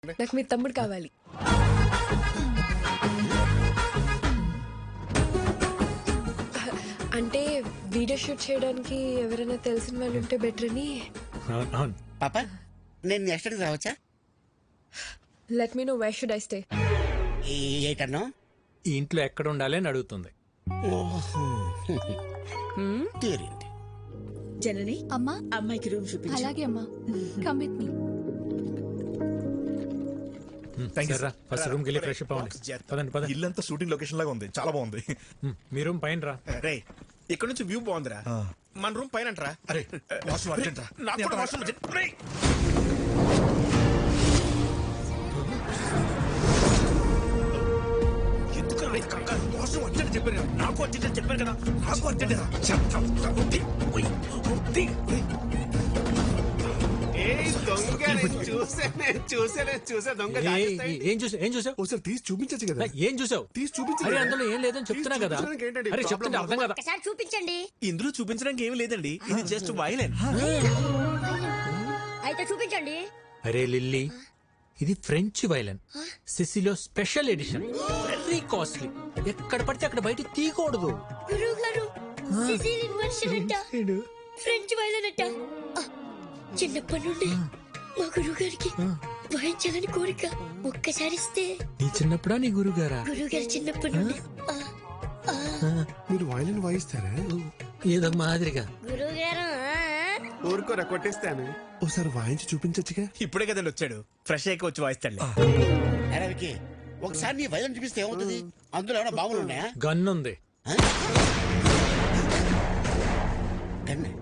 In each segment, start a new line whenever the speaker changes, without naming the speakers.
నాకు మీ తమ్ముడు కావాలి. అంటే వీడియో షూట్ చేయడానికి ఎవరైనా తెలిసిన వాళ్ళు ఉంటే బెటర్ అని.
పాప నేను నెక్స్ట్ అడిగి రావచ్చా?
Let me know where should I stay.
ఏటన్నా
ఈ ఇంట్లో ఎక్కడ ఉండాలి అని అడుగుతుంది.
తీరింది.
జనని
అమ్మా
అమ్మాయికి రూమ్ చూపించు.
అలాగే అమ్మా. Come with me.
First room కి వెళ్ళి ఫ్రెష్ అప్ అవ్వండి. పదండి పదండి.
ఇల్లంతా షూటింగ్ లొకేషన్ లాగా ఉంది, చాలా బాగుంది.
మీ రూమ్ పైన రా.
రే ఇక్కడ నుంచి వ్యూ బాగుందిరా. మన రూమ్ పైన అంటరా.
అరే వాష్రూమ్ అర్జెంట్ రా.
నాకు కూడా వాష్రూమ్ అర్జెంట్. రేయ్. ఎందుకు రా ఈ కంగారు? వాష్రూమ్ అర్జెంట్ చెప్పాను కదా. నాకు అర్జెంట్ చెప్పాను కదా. నాకు అర్జెంట్ రా. చూసా దొంగ
ఏం చూసావు?
ఒకసారి తీసి చూపించచ్చు కదా.
ఏం చూసావు?
తీసి చూపించు.
అరే అందులో ఏం లేదని చెప్తున్నా కదా. అరే చెప్తుంటే అర్థం కదా.
ఒకసారి చూపించండి.
ఇందులో చూపించడానికి ఏమి లేదండి, ఇది జస్ట్ వైలెన్.
అయితే చూపించండి.
అరే లిల్లీ, ఇది ఫ్రెంచ్ వైలన్, సిసిలో స్పెషల్ ఎడిషన్, వెరీ కాస్ట్లీ. ఎక్కడ పడితే అక్కడ బయట తీయకూడదు.
గురువు గారు సిసిలియన్ వర్షన్ అంట, ఫ్రెంచ్ వైలన్ అంట. చిన్నప్పటి నుండి మా గురువు గారికి వాయించాలని కోరిక. ఒక్కసారి ఇస్తే.
నీ చిన్నప్పుడా నీ గురుగారా?
గురువు గారు చిన్నప్పటి నుండి.
మీరు వైలిన్ వాయిస్తారా?
ఏదో మాదిరిగా.
గురువు గారు
ఊరుకోరా కొట్టేస్తాను.
ఒకసారి వాయించి చూపించచ్చుగా.
ఇప్పుడే కదండి వచ్చాడు, ఫ్రెష్ అయ్యి వచ్చి వాయిస్తాడు.
అరే వికీ, ఒకసారి నీ వైలెన్ చూపిస్తే ఏమవుతుంది? అందులో ఏమైనా బాంబులు ఉన్నాయా?
గన్ ఉంది.
గన్నే.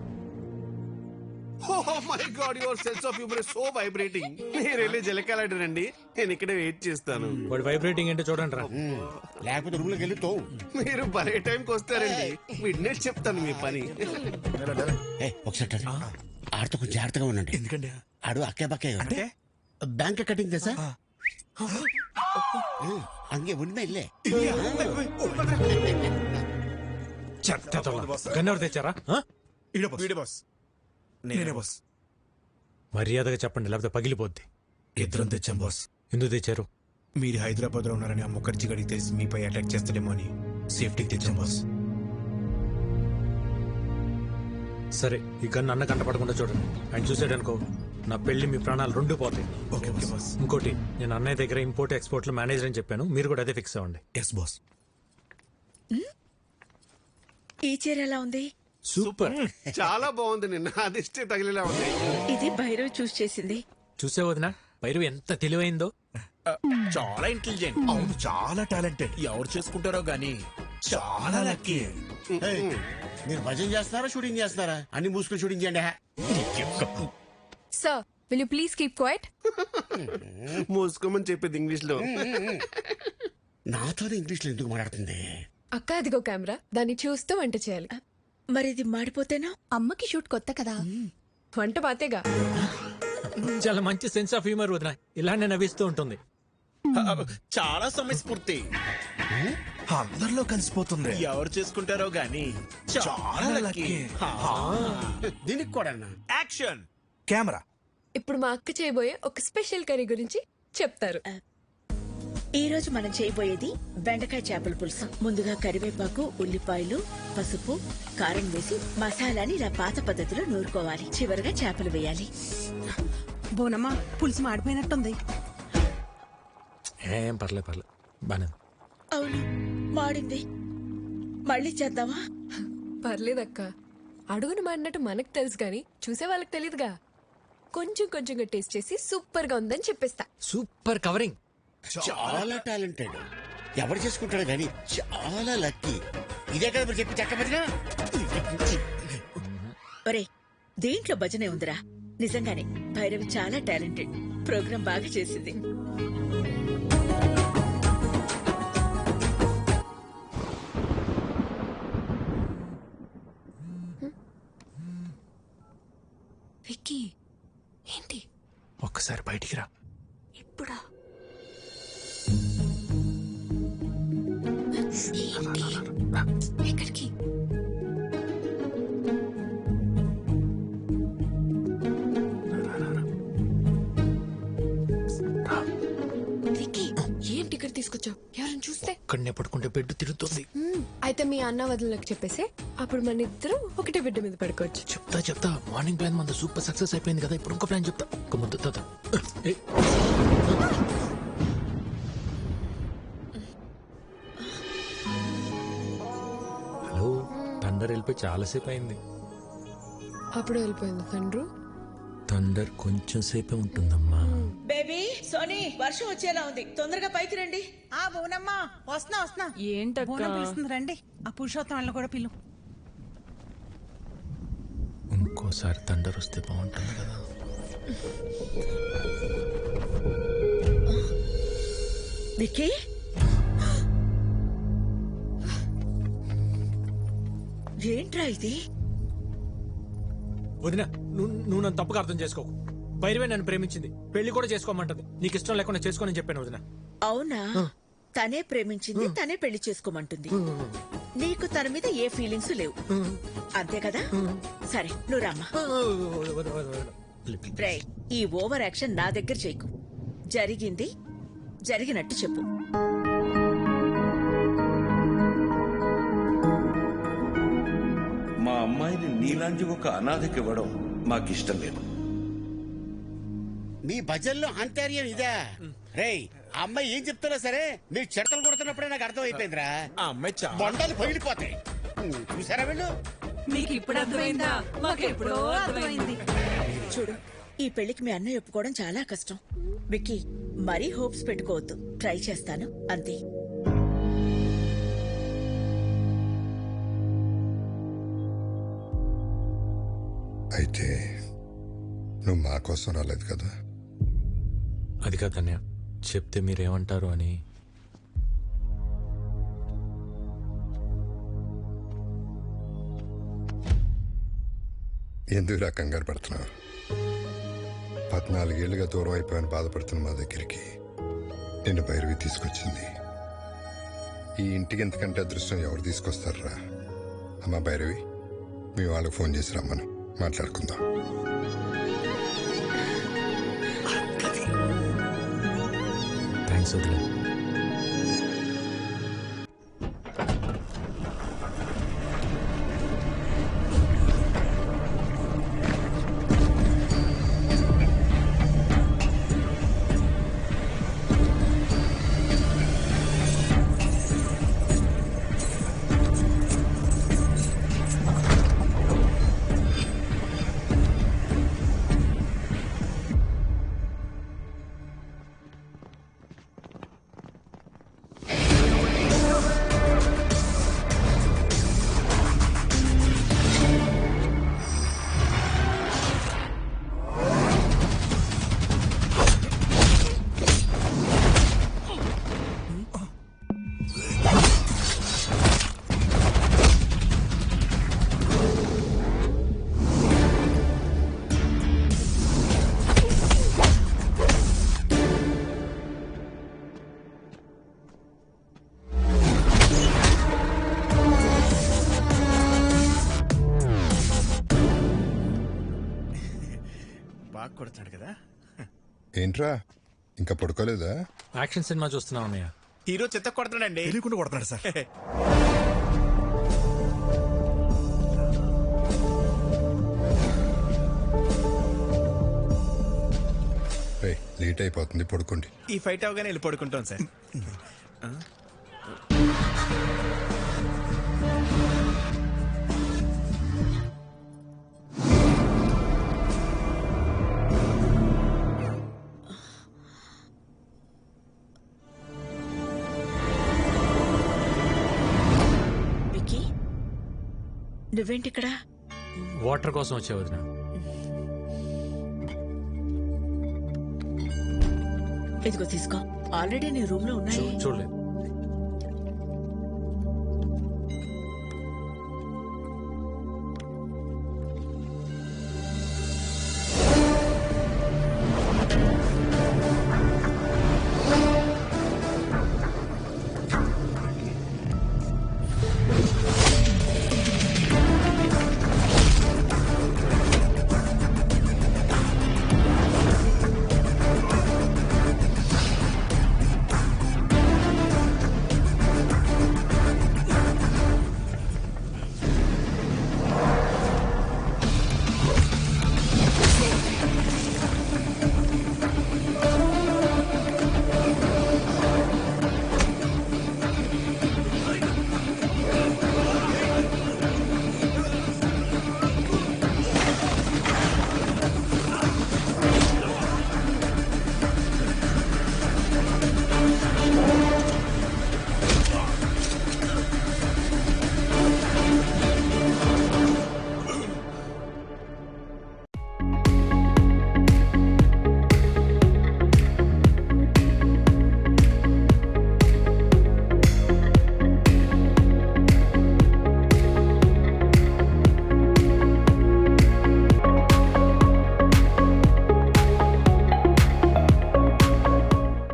Oh my God, your sense of humor is so vibrating. మీరు వెళ్ళి జలకాలండి, నేను ఇక్కడే వెయిట్ చేస్తాను.
వాడు వైబ్రేటింగ్ ఏంటో చూడండి రా.
లేకపోతే రూమ్ లోకి వెళ్ళి తోవు.
మీరు భలే టైంకి వస్తారండి. విడ్నెస్ చెప్తాను మీ పని.
ఒకసారి ఆడితో కొంచెం జాగ్రత్తగా ఉండండి.
ఎందుకండి?
ఆడు అక్కే బక్కే
అంటే
బ్యాంక్ కటింగ్ తెసా అంగే ఉన్నా ఇల్లే.
గన్ ఎవరు తెచ్చారా?
వీడే బాస్.
నేనే బాస్.
మర్యాదగా చెప్పండి, లేకపోతే పగిలిపోద్ది.
ఇద్దరం తెచ్చాం బాస్.
ఎందుకు తెచ్చారు?
మీరు హైదరాబాద్ లో ఉన్నారని ఆ ముఖర్జీ గడికి తెలిసి మీపై అటాక్ చేస్తాడేమో అని సేఫ్టీకి తెచ్చాం బాస్.
సరే, ఈ గన్ అన్న కంటపడకుండా చూడండి. ఆయన చూసాడనుకో, నా పెళ్లి మీ ప్రాణాలు రెండు పోతాయి.
Okay boss.
ఇంకోటి, నేను అన్నయ్య దగ్గర ఇంపోర్ట్ ఎక్స్పోర్ట్ లో మేనేజర్ అని చెప్పాను, మీరు కూడా అదే ఫిక్స్ అవ్వండి.
Yes boss.
ఈ చీర ఎలా ఉంది?
సూపర్.
చాలా బాగుంది. నిన్న అదిష్టే తగిలేలా ఉంది.
ఇది భైరవ్ చూస్ చేసింది.
చూసే వదిన, భైరవి ఎంత తెలివైందో.
చాలా ఇంటెలిజెంట్.
అవును, చాలా టాలెంటెడ్.
ఎవరు చేసుకుంటారో గానీ చాలా లక్కీ.
మీరు భజన చేస్తున్నారా, షూటింగ్ చేస్తున్నారా? అన్ని మూసుకుని షూటింగ్ చేయండి.
Sir, will you please keep quiet?
మూసుకోమని చెప్పేది ఇంగ్లీష్ లో.
నాతోనే ఇంగ్లీష్ లో ఎందుకు మాట్లాడుతుంది?
అక్క, అదిగో కెమెరా, దాన్ని చూస్తూ వంట చేయాలి.
మరి ఇది మాడిపోతేనా?
అమ్మకి షూట్ కొత్త కదా.
వంట పాతేగా.
చాలా మంచి సెన్స్ ఆఫ్ హ్యూమర్ వదిన, ఇలానే నవ్విస్తూ ఉంటుంది.
చాలా సమయస్ఫూర్తి.
అందరిలో కలిసిపోతుంది.
ఎవరు చేసుకుంటారో గానీ చాలా లక్కీ.
దీనికి కూడా
యాక్షన్.
కెమెరా.
ఇప్పుడు మా అక్క చేయబోయే ఒక స్పెషల్ కర్రీ గురించి చెప్తారు.
ఈ రోజు మనం చేయబోయేది బెండకాయ చేపల పులుసు. ముందుగా కరివేపాకు, ఉల్లిపాయలు, పసుపు, కారం వేసి మసాలాని ఇలా పాత పద్ధతిలో నూరుకోవాలి. చివరిగా చేపలు వేయాలి.
బోనమ్మా, పులుసు మాడిపోయినట్టుంది.
ఏం పర్లేదు బానే.
అవును, మాడింది. మళ్ళీ చేద్దామా?
పర్లేదక్క, అడుగును మాడినట్టు మనకు తెలుసు గాని చూసే వాళ్ళకి తెలియదుగా. కొంచెం కొంచెంగా టేస్ట్ చేసి సూపర్ గా ఉందని చెప్పేస్తా.
Super covering.
చాలా టాలెంటెడ్. ఎవరు చేసుకుంటాడు కానీ చాలా లక్కీ. ఇదే కదా మీరు చెప్పి చక్కబడినా.
ఒరే, దీంట్లో భజనే ఉందిరా. నిజంగానే భైరవి చాలా టాలెంటెడ్. ప్రోగ్రాం బాగా చేసింది.
విక్కీ, ఏంటి?
ఒక్కసారి బయటికి రా.
ఇప్పుడా? ఎక్కడికి?
రా.
తీసుకొచ్చావు ఎవరైనా చూస్తే?
ఇక్కడనే పడుకుంటే బెడ్ తిరుగుతుంది.
అయితే మీ అన్న వదినలకు చెప్పేసి అప్పుడు మన ఇద్దరం ఒకటే బిడ్డ మీద పడుకోవచ్చు.
చెప్తా మార్నింగ్ ప్లాన్ మన సూపర్ సక్సెస్ అయిపోయింది కదా, ఇప్పుడు ఇంకో ప్లాన్ చెప్తా. ఒక ముద్దు తాత. హలో, థండర్ వెళ్ళిపోయి చాలాసేపు అయింది.
అప్పుడు వెళ్ళిపోయింది తండ్రు.
థండర్ కొంచెం సేపే ఉంటుందమ్మా.
బేబీ సోనీ వర్షం వచ్చేలా ఉంది, తొందరగా పైకి రండి.
ఆ బోనమ్మా వస్తున్నా
ఏంటక్కా?
బోనం పిలుస్తుంది రండి. ఆ పురుషోత్తం వాళ్ళని కూడా పిలు.
ఇంకోసారి థండర్ వస్తే బాగుంటుంది కదా.
విక్కీ ఏంట్రా ఇది?
వదినా, నువ్వు నన్ను తప్పుగా అర్థం చేసుకోకు. భైరవే నన్ను ప్రేమించింది, పెళ్లి కూడా చేసుకోమంటది. నీకు ఇష్టం లేకుండా చేసుకోనని చెప్పాను వదినా.
అవునా? తనే ప్రేమించింది, తనే పెళ్లి చేసుకోమంటుంది. నీకు తన మీద ఏ ఫీలింగ్స్ లేవు అంతే కదా? సరే నువ్వు రామ్మా. రేయ్, ఈ ఓవర్ యాక్షన్ నా దగ్గర చేయకు. జరిగింది జరిగినట్టు చెప్పు.
మా అమ్మాయిని నీలాంటి ఒక అనాథకి ఇవ్వడం మాకిష్టం లేదు.
మీ భజన్లో అంతర్యం ఇదా? రేయ్, ఆ అమ్మాయి ఏం చెప్తున్నా సరే మీరు చెడతలు కొడుతున్నప్పుడే నాకు అర్థం అయిపోయిందిరా.
ఆ అమ్మాయి
బొండాలు పగిలిపోతాయి. చూసారా వీళ్ళు?
మీకు ఇప్పుడు అర్థమైందా? మాకెప్పుడో అర్థమైంది.
చూడు, ఈ పెళ్లికి మీ అన్నయ్య ఒప్పుకోవడం చాలా కష్టం. విక్కీ, మరీ హోప్స్ పెట్టుకోవద్దు. ట్రై చేస్తాను అంతే.
అయితే నువ్వు మా కోసం రాలేదు కదా?
అది కాదన్య, చెప్తే మీరేమంటారు అని.
ఎందుకు రా కంగారు పడుతున్నావు? 14 ఏళ్లుగా దూరం అయిపోయాను బాధపడుతున్న మా దగ్గరికి నిన్ను భైరవి తీసుకొచ్చింది. ఈ ఇంటికి ఎంతకంటే అదృష్టం ఎవరు తీసుకొస్తారా? అమ్మా భైరవి, మీ వాళ్ళకి ఫోన్ చేసి రమ్మను, మాట్లాడుకుందాం.
థ్యాంక్స్ వదిలే.
బాగా కొడుతున్నాడు కదా.
ఏంట్రా ఇంకా పడుకోలేదా?
యాక్షన్ సినిమా చూస్తున్నావు అన్నయ్య.
హీరో చెత్త కొడుతున్నాడండి. తెలియకుండా కొడుతున్నాడు సార్.
లేట్ అయిపోతుంది, పడుకోండి.
ఈ ఫైట్ అవగానే వెళ్ళి పడుకుంటాం సార్.
విక్కీ, నువ్వేంటిక్కడ?
వాటర్ కోసం వచ్చే వదిన.
ఇదిగో తీసుకో. ఆల్రెడీ నీ రూమ్ లో ఉన్నాయి.
చూడలేదు.